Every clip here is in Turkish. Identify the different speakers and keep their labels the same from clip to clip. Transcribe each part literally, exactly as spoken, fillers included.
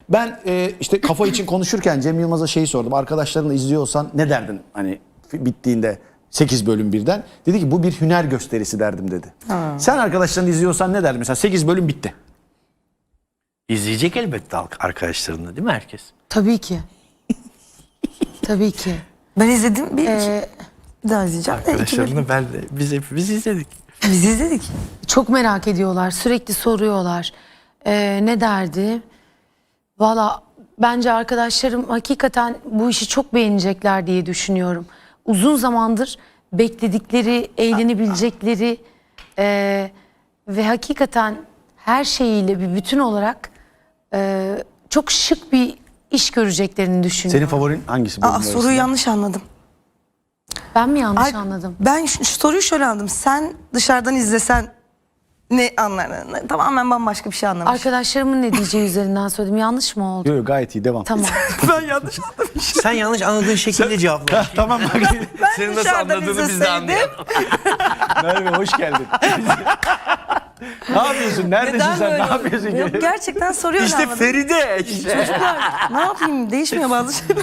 Speaker 1: Ben e, işte kafa için konuşurken Cem Yılmaz'a şeyi sordum. Arkadaşlarınla izliyorsan ne derdin hani bittiğinde sekiz bölüm birden? Dedi ki bu bir hüner gösterisi derdim dedi. Ha. Sen arkadaşlarınla izliyorsan ne derdin? Mesela sekiz bölüm bitti.
Speaker 2: İzleyecek elbette arkadaşlarını değil mi herkes?
Speaker 3: Tabii ki. Tabii ki.
Speaker 4: Ben izledim bir,
Speaker 3: Ee,
Speaker 4: bir daha izleyeceğim. de iki bölüm.
Speaker 2: Arkadaşlarını ben de biz hepimiz izledik.
Speaker 4: Biz izledik.
Speaker 3: Çok merak ediyorlar. Sürekli soruyorlar. Ee, ne derdi? Valla bence arkadaşlarım hakikaten bu işi çok beğenecekler diye düşünüyorum. Uzun zamandır bekledikleri, eğlenebilecekleri e, ve hakikaten her şeyiyle bir bütün olarak e, çok şık bir iş göreceklerini düşünüyorum.
Speaker 1: Senin favorin hangisi?
Speaker 4: Aa,
Speaker 1: bölümler
Speaker 4: soruyu
Speaker 1: arasında?
Speaker 4: yanlış anladım.
Speaker 3: Ben mi yanlış
Speaker 4: Ay,
Speaker 3: anladım?
Speaker 4: Ben şu, şu soruyu şöyle anladım. Sen dışarıdan izlesen ne anlardın? Tamamen bambaşka bir şey anlamış.
Speaker 3: Arkadaşlarımın ne diyeceği üzerinden söyledim. Yanlış mı oldu?
Speaker 1: Yok yok, gayet iyi, devam.
Speaker 3: Tamam.
Speaker 4: Ben yanlış anladım.
Speaker 2: Sen yanlış anladığın şekilde cevapla.
Speaker 1: Tamam bak.
Speaker 4: Ben
Speaker 2: Senin nasıl
Speaker 4: dışarıdan
Speaker 2: anladığını biz de
Speaker 4: izleseydim-
Speaker 2: anlayalım.
Speaker 1: Merve hoş geldin. Ne yapıyorsun? Neredesin
Speaker 4: Neden
Speaker 1: sen?
Speaker 4: böyle
Speaker 1: Ne
Speaker 4: oldu?
Speaker 1: yapıyorsun?
Speaker 4: Yok, gerçekten soruyu öyle
Speaker 2: İşte
Speaker 4: anladım.
Speaker 2: Feride işte.
Speaker 4: Çocuklar ne yapayım, değişmiyor bazı şeyler.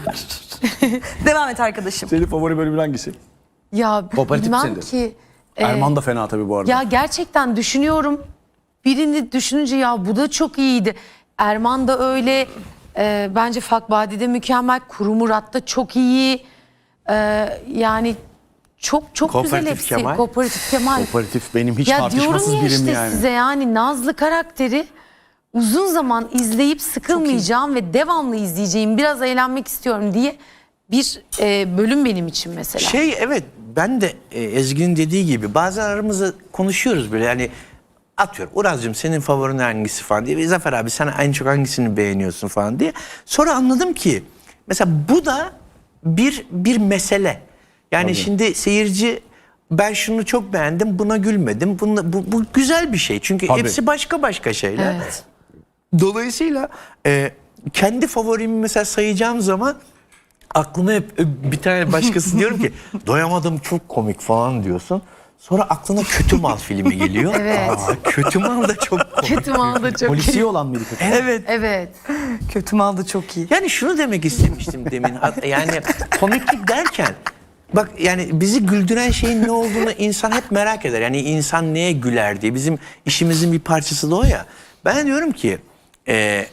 Speaker 4: Devam et arkadaşım.
Speaker 1: Senin favori bölümün hangisi?
Speaker 3: Ya
Speaker 1: Kooperatif
Speaker 3: bilmem
Speaker 1: misindir?
Speaker 3: ki. e,
Speaker 1: Erman da fena tabii bu arada.
Speaker 3: Ya gerçekten düşünüyorum. Birini düşününce ya bu da çok iyiydi. Erman da öyle. E, bence Fakbadi'de mükemmel. Kuru Murat da çok iyi. E, yani çok çok güzel
Speaker 2: Kooperatif
Speaker 3: hepsi.
Speaker 2: Kemal.
Speaker 3: Kooperatif Kemal.
Speaker 1: Kooperatif benim hiç
Speaker 3: Ya
Speaker 1: tartışmasız
Speaker 3: diyorum ya
Speaker 1: birim
Speaker 3: işte
Speaker 1: yani.
Speaker 3: size yani Nazlı karakteri uzun zaman izleyip sıkılmayacağım ve devamlı izleyeceğim, biraz eğlenmek istiyorum diye bir e, bölüm benim için mesela.
Speaker 2: Şey evet ben de e, Ezgi'nin dediği gibi bazen aramızda konuşuyoruz böyle yani atıyorum Uraz'cığım senin favorin hangisi falan diye. Zafer abi sen en çok hangisini beğeniyorsun falan diye. Sonra anladım ki mesela bu da bir bir mesele. Yani
Speaker 1: Tabii.
Speaker 2: şimdi seyirci ben şunu çok beğendim buna gülmedim. Bunda, bu, bu güzel bir şey çünkü
Speaker 1: Tabii.
Speaker 2: hepsi başka başka şeyler.
Speaker 3: Evet.
Speaker 2: Dolayısıyla e, kendi favorimi mesela sayacağım zaman aklıma hep e, bir tane başkası diyorum ki doyamadım çok komik falan diyorsun. Sonra aklına Kötü Mal filmi geliyor.
Speaker 3: Evet.
Speaker 2: Aa, Kötü Mal da çok komik.
Speaker 3: Kötü mal da çok
Speaker 1: Polisiye olan mıydı kötü?
Speaker 2: Evet.
Speaker 3: Evet.
Speaker 4: Kötü mal da çok iyi.
Speaker 2: Yani şunu demek istemiştim demin. Yani komiklik derken bak yani bizi güldüren şeyin ne olduğunu insan hep merak eder. Yani insan neye güler diye. Bizim işimizin bir parçası da o ya. Ben diyorum ki e,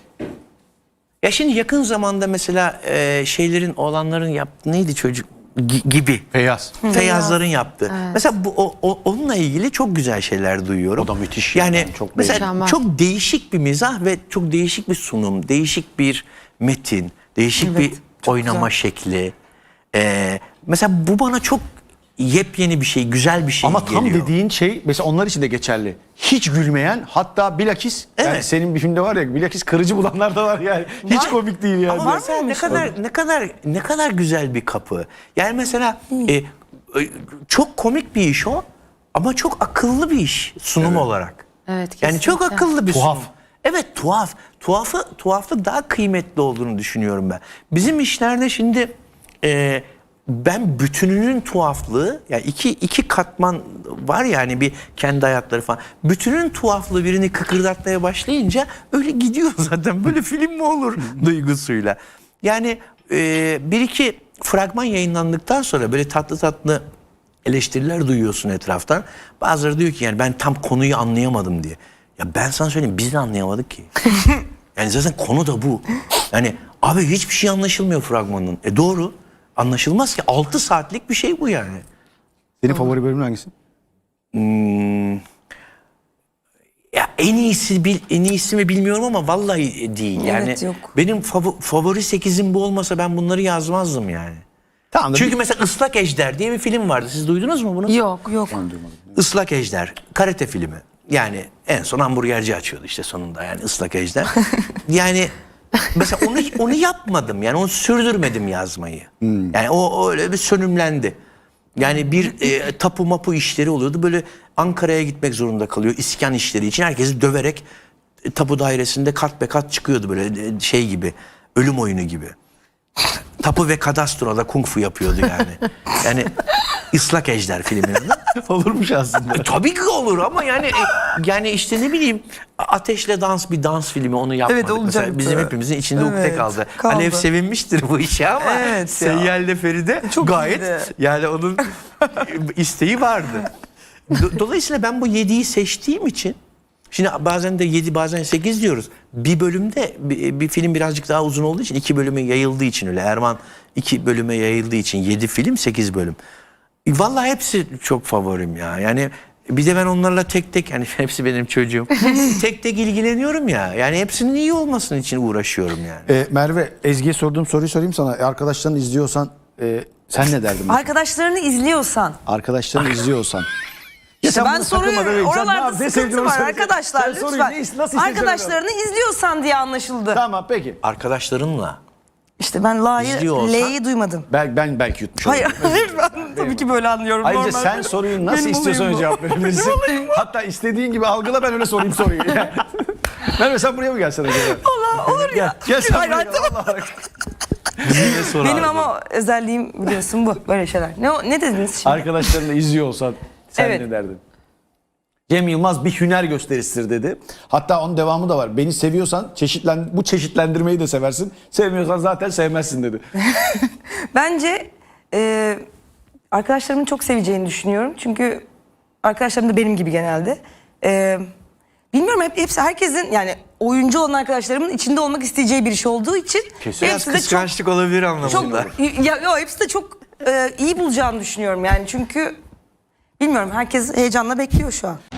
Speaker 2: ya şimdi yakın zamanda mesela e, şeylerin oğlanların yaptığı neydi çocuk Gi- gibi.
Speaker 1: Feyyaz.
Speaker 2: Feyyazların yaptığı. Mesela bu o, o- onunla ilgili çok güzel şeyler duyuyorum.
Speaker 1: O da müthiş.
Speaker 2: Yani
Speaker 1: Yani çok
Speaker 2: mesela
Speaker 3: mükemmel.
Speaker 2: çok değişik bir mizah ve çok değişik bir sunum, değişik bir metin, değişik
Speaker 4: Evet,
Speaker 2: bir
Speaker 4: çok
Speaker 2: oynama
Speaker 4: güzel.
Speaker 2: şekli. Ee, mesela bu bana çok yepyeni bir şey, güzel bir şey
Speaker 1: Ama tam
Speaker 2: geliyor.
Speaker 1: dediğin şey mesela onlar için de geçerli. Hiç gülmeyen, hatta bilakis yani
Speaker 2: Evet.
Speaker 1: senin bir filmde var ya, bilakis kırıcı bulanlar da var yani. Hiç
Speaker 2: Var.
Speaker 1: komik değil yani.
Speaker 2: Ama mesela ne kadar ne kadar ne kadar güzel bir kapı. Yani mesela e, e, çok komik bir iş o ama çok akıllı bir iş sunum olarak.
Speaker 3: Evet,
Speaker 2: Yani çok
Speaker 3: kesinlikle.
Speaker 2: akıllı bir
Speaker 1: Tuhaf.
Speaker 2: sunum. Evet tuhaf. Tuhafı tuhaflık daha kıymetli olduğunu düşünüyorum ben. Bizim işlerde şimdi e, ben bütününün tuhaflığı yani iki iki katman var yani bir kendi hayatları falan. Bütünün tuhaflığı birini kıkırdatmaya başlayınca öyle gidiyor zaten. Böyle film mi olur duygusuyla. Yani e, bir iki fragman yayınlandıktan sonra böyle tatlı tatlı eleştiriler duyuyorsun etraftan. Bazıları diyor ki yani ben tam konuyu anlayamadım diye. Ya ben sana söyleyeyim biz de anlayamadık ki. Yani zaten konu da bu. Yani abi hiçbir şey anlaşılmıyor fragmanın. E doğru. Anlaşılmaz ki. altı saatlik bir şey bu yani.
Speaker 1: Senin favori bölümün hangisi?
Speaker 2: Hmm. Ya en iyisi bil, en iyisi mi bilmiyorum ama vallahi değil. Yani
Speaker 4: Evet, yok.
Speaker 2: benim fav- favori sekizim bu olmasa ben bunları yazmazdım yani.
Speaker 1: Tamam da
Speaker 2: Çünkü
Speaker 1: bir-
Speaker 2: mesela Islak Ejder diye bir film vardı. Siz duydunuz mu bunu?
Speaker 3: Yok.
Speaker 4: Yok.
Speaker 2: Islak Ejder, karate filmi. Yani en son hamburgerci açıyordu işte sonunda yani Islak Ejder. Yani mesela onu onu yapmadım yani onu sürdürmedim yazmayı. Yani o, o öyle bir sönümlendi. Yani bir e, tapu mapu işleri oluyordu böyle Ankara'ya gitmek zorunda kalıyor iskan işleri için herkesi döverek e, tapu dairesinde kat be kat çıkıyordu böyle e, şey gibi ölüm oyunu gibi. Tapu ve kadastroda kung fu yapıyordu yani. Yani Islak Ejder filminin adı.
Speaker 1: Olurmuş aslında.
Speaker 2: E, tabii ki olur ama yani e, yani işte ne bileyim Ateşle Dans bir dans filmi onu yapmadık.
Speaker 4: Evet,
Speaker 2: Mesela
Speaker 4: olacaktı.
Speaker 2: bizim hepimizin içinde ukde
Speaker 4: Evet,
Speaker 2: kaldı.
Speaker 4: kaldı.
Speaker 2: Alev sevinmiştir bu işe ama
Speaker 4: Evet ya.
Speaker 2: Seyyal'le Feride
Speaker 4: Çok
Speaker 2: gayet
Speaker 4: iyiydi.
Speaker 2: yani onun isteği vardı. Do- Dolayısıyla ben bu yediyi seçtiğim için şimdi bazen de yedi bazen sekiz diyoruz. Bir bölümde bir, bir film birazcık daha uzun olduğu için iki bölüme yayıldığı için öyle Erman iki bölüme yayıldığı için yedi film sekiz bölüm. E, Vallahi hepsi çok favorim ya. Yani bir de ben onlarla tek tek yani hepsi benim çocuğum. tek tek ilgileniyorum ya. Yani hepsinin iyi olmasının için uğraşıyorum yani.
Speaker 1: E, Merve, Ezgi'ye sorduğum soruyu sorayım sana. E, arkadaşların izliyorsan e, sen ne derdin? mesela?
Speaker 4: Arkadaşlarını izliyorsan.
Speaker 1: Arkadaşların izliyorsan. Ya
Speaker 4: İşte
Speaker 1: sen
Speaker 4: ben
Speaker 1: bunu takılmadan
Speaker 4: soruyu
Speaker 1: önce sen ne
Speaker 4: oralarda
Speaker 1: yap- ne
Speaker 4: sıkıntı
Speaker 1: sevdiğini
Speaker 4: var
Speaker 1: söyle.
Speaker 4: arkadaşlar
Speaker 1: Sen soruyu
Speaker 4: lütfen.
Speaker 1: ne- nasıl istediğini
Speaker 4: Arkadaşlarını izliyorsan diye anlaşıldı.
Speaker 1: Tamam peki.
Speaker 2: Arkadaşlarınla.
Speaker 4: İşte ben La'yı,
Speaker 2: İzliyor olsa-
Speaker 4: L'yi duymadım.
Speaker 1: Ben, ben belki yutmuş
Speaker 4: Hayır,
Speaker 1: oldum.
Speaker 4: hayır ben tabii ki böyle anlıyorum.
Speaker 1: Ayrıca
Speaker 4: Normal.
Speaker 1: sen soruyu nasıl
Speaker 4: Benim
Speaker 1: istiyorsan
Speaker 4: olayım
Speaker 1: öyle
Speaker 4: bu.
Speaker 1: cevap verebilirsin. Hatta istediğin gibi algıla, ben öyle sorayım soruyu. Merve sen buraya mı gelsen acaba?
Speaker 4: Allah olur ya.
Speaker 1: Gel sen
Speaker 4: Hayır,
Speaker 1: buraya
Speaker 4: hayır,
Speaker 1: gel.
Speaker 4: tamam.
Speaker 1: Vallahi.
Speaker 2: Bize sor
Speaker 4: Benim
Speaker 2: abi.
Speaker 4: ama özelliğim biliyorsun bu. Böyle şeyler. Ne, o- ne dediniz şimdi?
Speaker 1: Arkadaşlarını izliyor olsan sen
Speaker 4: Evet.
Speaker 1: ne derdin? Cem Yılmaz bir hüner gösterisidir dedi. Hatta onun devamı da var. Beni seviyorsan çeşitlen bu çeşitlendirmeyi de seversin. Sevmiyorsan zaten sevmezsin dedi.
Speaker 4: Bence e, arkadaşlarımın çok seveceğini düşünüyorum. Çünkü arkadaşlarım da benim gibi genelde. E, bilmiyorum hep hepsi herkesin yani oyuncu olan arkadaşlarımın içinde olmak isteyeceği bir iş olduğu için
Speaker 2: Kesin. Biraz
Speaker 4: hepsi de çok
Speaker 2: kıskançlık olabilir anlamında.
Speaker 4: çok ya, yo, hepsi de çok e, iyi bulacağını düşünüyorum yani çünkü bilmiyorum herkes heyecanla bekliyor şu an.